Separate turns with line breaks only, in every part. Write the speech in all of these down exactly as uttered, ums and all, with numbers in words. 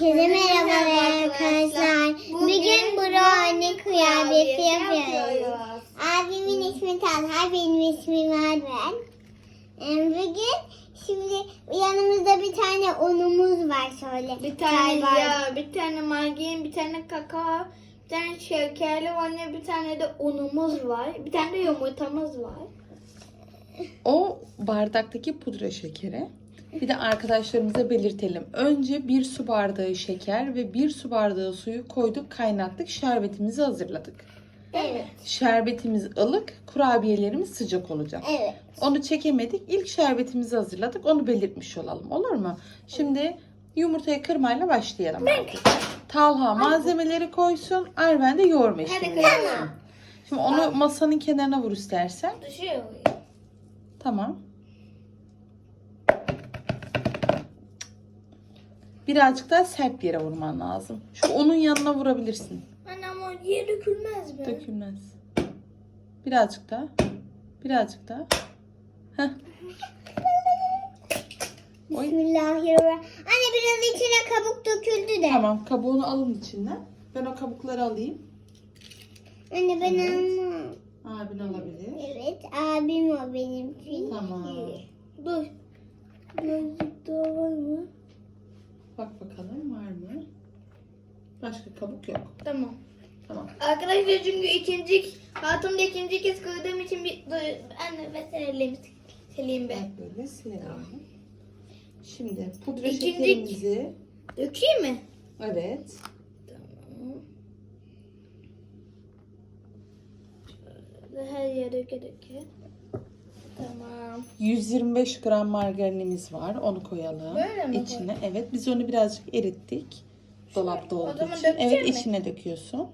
Herkese merhaba arkadaşlar. Bugün brownie kıyafeti yapıyoruz. Abimin ismi Talha, benim ismim Arven. Ee, Bugün şimdi yanımızda bir tane unumuz var şöyle.
Bir tane
Çay var.
yağ, bir tane margarin, bir tane kakao, bir tane şekerli vanilya, bir tane de unumuz var. Bir tane de yumurtamız var.
O bardaktaki pudra şekeri. Bir de arkadaşlarımıza belirtelim. Önce bir su bardağı şeker ve bir su bardağı suyu koyduk, kaynattık. Şerbetimizi hazırladık.
Evet.
Şerbetimiz ılık, kurabiyelerimiz sıcak olacak.
Evet.
Onu çekemedik. İlk şerbetimizi hazırladık. Onu belirtmiş olalım. Olur mu? Şimdi yumurtayı kırmayla başlayalım. artık. Talha malzemeleri koysun. Arven de yoğurma işlemini yapsın. Şimdi onu masanın kenarına vur istersen.
Düşüyor.
Tamam. Birazcık daha sert bir yere vurman lazım. Şu onun yanına vurabilirsin.
Anne ama yere dökülmez mi?
Dökülmez. Birazcık daha. Birazcık daha. Heh. Oy.
Bismillahirrahmanirrahim. Anne biraz içine kabuk döküldü de.
Tamam, kabuğunu alın içinden. Ben o kabukları alayım.
Anne ben
Evet.
almam.
Abin alabilir.
Evet, abim o benim.
Tamam.
Dur. Birazcık daha var mı?
Bak bakalım var mı? Başka kabuk yok.
Tamam.
Tamam.
Arkadaşlar çünkü ikinci, hayatımda ikinci kez kırdığım için bir dur. Anne ben ellerimi sileyim be.
Bak böyle silelim. Şimdi pudra
İkinci-
şekerimizi.
Dökeyim mi?
Evet.
Tamam. Şöyle her yere döke döke. Tamam.
yüz yirmi beş gram margarinimiz var. Onu koyalım.
Böyle mi
İçine. Evet. Biz onu birazcık erittik. Dolapta
o
olduğu
zaman
için.
dökeceğim
Evet,
mi?
içine döküyorsun.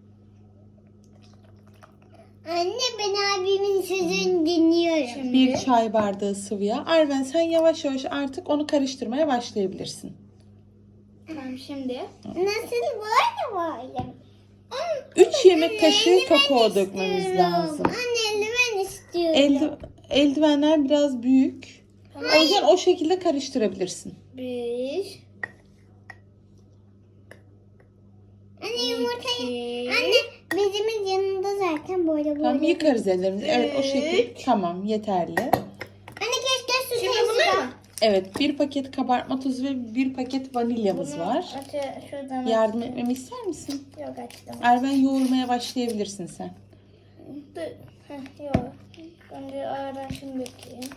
Anne ben abimin sözünü dinliyorum.
Şimdi
Bir çay bardağı sıvı yağ. Arven sen yavaş yavaş artık onu karıştırmaya başlayabilirsin.
tamam şimdi.
Nasıl böyle böyle?
üç yemek kaşığı kakao dökmemiz lazım.
Anne eldiven istiyorum.
Elde, eldivenler biraz büyük. O yüzden o şekilde karıştırabilirsin.
Bir.
Anne yumurtayı.
iki,
Anne bezimin yanında zaten böyle böyle.
Tamam, yıkarız ellerimizi. Evet, o şekilde.
Üç.
Tamam, yeterli.
Anne keşke su
Şimdi
sayısı
bunlar
da-
mı?
Evet, bir paket kabartma tozu ve bir paket vanilyamız
Bunu
var.
aç- şuradan
Yardım
açtım.
etmemi ister misin?
Yok açtım.
Erven yoğurmaya başlayabilirsin sen.
Dur. Heh, yok. Önce aradan şunu dökeyim.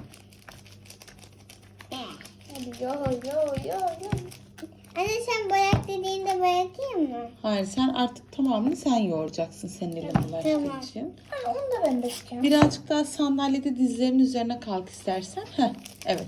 Hadi yo yo yo yo.
Anne sen boyak dediğinde boyatayım mı?
Hayır, sen artık tamamını sen yoğuracaksın senin elin bulaştığı
Tamam.
için.
Ha, onu da ben dökeceğim.
Birazcık daha sandalyede dizlerin üzerine kalk istersen. Heh, evet.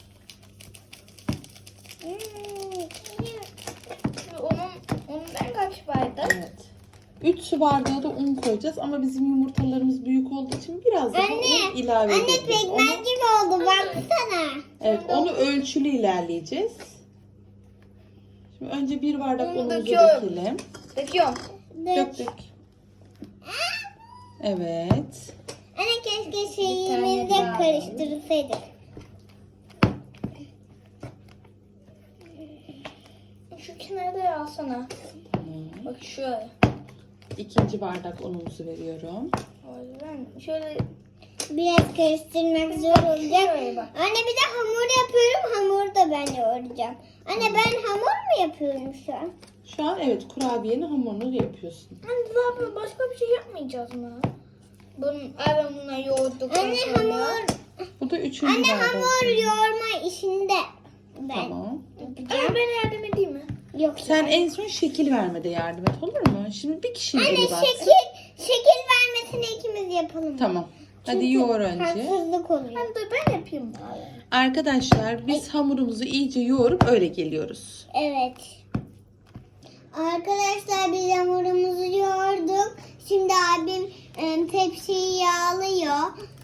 Hmm.
Şimdi onun, ondan kaç bardak?
Evet. üç su bardağı da un koyacağız ama bizim yumurtalarımız büyük olduğu için biraz daha
Anne,
un ilave
Anne
edeceğiz.
pekmez
Onu,
gibi oldu baksana.
evet, onu ölçülü ilerleyeceğiz. Şimdi önce bir bardak
Unu
unumuzu
döküyorum.
dökelim.
Döküyorum.
Dök dök. Evet.
Anne keşke
Bir
şeyimizi de
tane daha.
karıştırsaydık.
Şu kenarda alsana.
Tamam.
Bak şöyle.
İkinci bardak unumuzu veriyorum.
Ben şöyle
Biraz karıştırmak zor olacak.
Şöyle bak.
Anne bir de hamur yapıyorum. Hamuru da ben yoğuracağım. Anne ben hamur mu yapıyorum şu an?
Şu an evet, kurabiyenin hamurunu yapıyorsun.
Anne zaten başka bir şey yapmayacağız mı? Bunun, ay ben bunları yoğurduk.
Anne hamur,
Bu da üçüncü
anne
bardak.
hamur yoğurma işinde ben
Tamam.
Anne ben yardım edeyim mi?
yok.
Sen en son şekil vermede yardım et, olur mu? Şimdi bir kişinin
Anne
eli batsın.
şekil şekil vermesini ikimiz yapalım.
Tamam. Hadi
Çünkü
yoğur önce.
haksızlık oluyor.
Hadi dur ben yapayım bari.
Arkadaşlar biz hamurumuzu iyice yoğurup öyle geliyoruz.
Evet. Arkadaşlar biz hamurumuzu yoğurduk. Şimdi abim e, tepsiyi yağlıyor.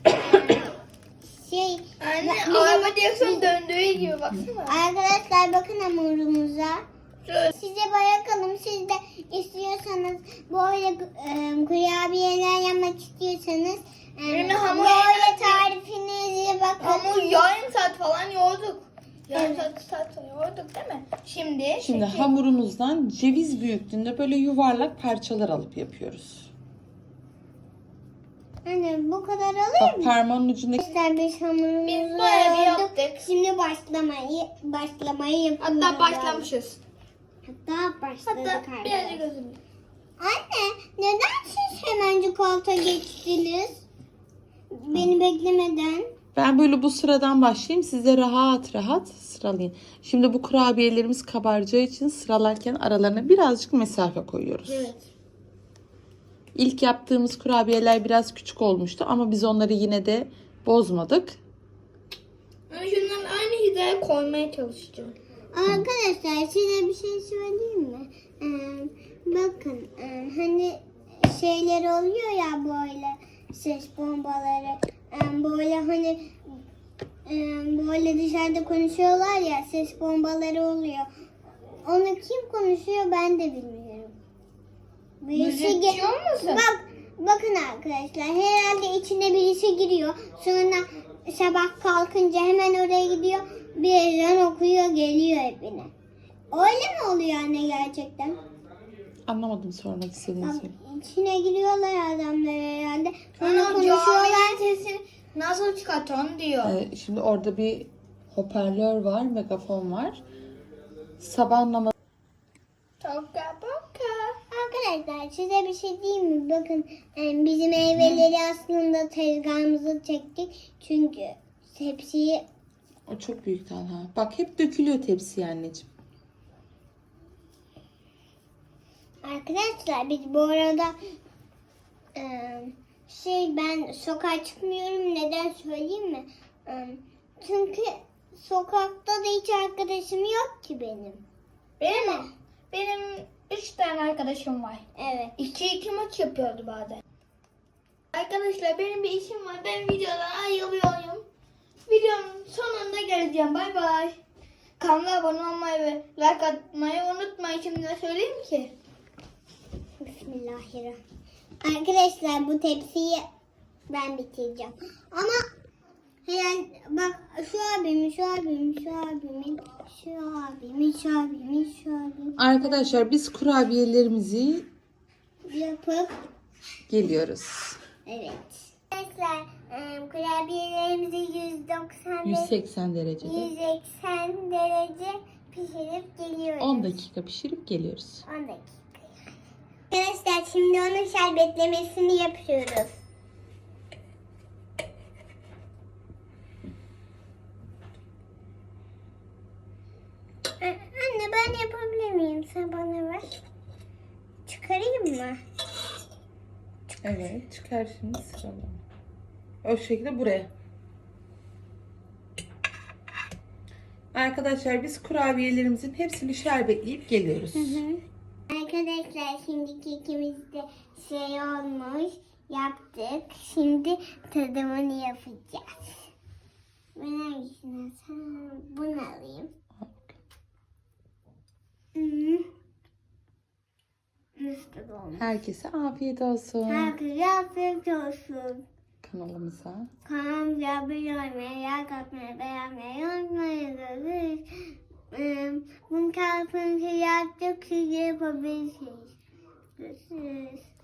şey
Anne
bizim-
araba direksiyon döndüğü gibi baksana.
Arkadaşlar bakın hamurumuza.
Şöyle.
Size bırakalım. Siz de istiyorsanız böyle e, kurabiyeler yapmak istiyorsanız e,
Yani hamur-
böyle tarifinize bakın.
Ama yarım saat falan yoğurduk. Yani evet. Satıyorduk değil mi? Şimdi,
Şimdi
şekil.
hamurumuzdan ceviz büyüklüğünde böyle yuvarlak parçalar alıp yapıyoruz.
Anne bu kadar alayım
Bak
mı?
parmağın ucundaki
Arkadaşlar biz hamurumuzu
Biz bayağı bir
yoğurduk.
yaptık.
Şimdi başlamayı başlamayı yapıyoruz.
Hatta başlamışız.
Hatta başladık
Hatta
arkadaşlar.
birazcık özür
Anne neden siz hemencik koltuğa geçtiniz? Beni beklemeden.
Ben böyle bu sıradan başlayayım. Size rahat rahat sıralayın. Şimdi bu kurabiyelerimiz kabaracağı için sıralarken aralarına birazcık mesafe koyuyoruz.
Evet.
İlk yaptığımız kurabiyeler biraz küçük olmuştu ama biz onları yine de bozmadık.
Ben şundan aynı hizaya koymaya çalışacağım.
Arkadaşlar size bir şey söyleyeyim mi? Ee, bakın e, hani şeyler oluyor ya böyle ses bombaları. Ee, böyle hani e, böyle dışarıda konuşuyorlar ya ses bombaları oluyor. Onu kim konuşuyor ben de bilmiyorum. Birisi ge-
Müzikçi olmasın?
Bak bakın arkadaşlar herhalde içine birisi giriyor. Sonra sabah kalkınca hemen oraya gidiyor. Bir ezan okuyor geliyor evine. Öyle mi oluyor anne gerçekten?
Anlamadım sormak istediğinizi.
Bak, içine giriyorlar adamlar herhalde. Sonra
Ana
konuşuyorlar.
caminin sesini nasıl çıkartalım diyor.
Ee, şimdi orada bir hoparlör var, megafon var. Sabah namazı
Toka boka.
Arkadaşlar size bir şey diyeyim mi? Bakın e, bizim meyveleri aslında tezgahımıza çektik. Çünkü tepsiyi
o çok büyük Talha. Bak hep dökülüyor tepsiye anneciğim.
arkadaşlar biz bu arada e, şey ben sokağa çıkmıyorum. Neden söyleyeyim mi? E, çünkü sokakta da hiç arkadaşım yok ki benim.
Benim benim üç tane arkadaşım var.
Evet.
İki iki maç yapıyordu bazen. Arkadaşlar benim bir işim var. Ben videodan ayrılıyorum. Videonun sonunda geleceğim. Bay bay. Kanala abone olmayı ve like atmayı unutmayın. Şimdi de söyleyeyim ki.
Bismillahirrahmanirrahim. Arkadaşlar bu tepsiyi ben bitireceğim. Ama herhalde bak şu abimin, şu abimin, şu abimin, şu abimin, şu abimin, şu abimin
Arkadaşlar biz kurabiyelerimizi
yapıp
geliyoruz.
evet. Arkadaşlar e, kurabiyelerimizi yüz doksan
yüz seksen derecede.
yüz seksen derece pişirip geliyoruz.
on dakika pişirip geliyoruz.
on dakika. Arkadaşlar şimdi onun şerbetlemesini yapıyoruz. Anne ben yapabilir miyim? Sen bana ver. Çıkarayım mı?
Evet çıkar şimdi sıralama. O şekilde buraya. Arkadaşlar biz kurabiyelerimizin hepsini şerbetleyip geliyoruz.
Arkadaşlar şimdi kekimiz de şey olmuş. Yaptık. Şimdi tadımını yapacağız. Ben hangisini alsam? Bunu alayım. Hmm. Nasıl olmuş?
Herkese afiyet olsun.
Herkese afiyet olsun.
Kanalımıza.
Kanalımıza abone olmayı, like atmayı, beğenmeyi unutmayın. Ee, Bunu kalkınca yaptık, siz de yapabilirsiniz. Görüşürüz.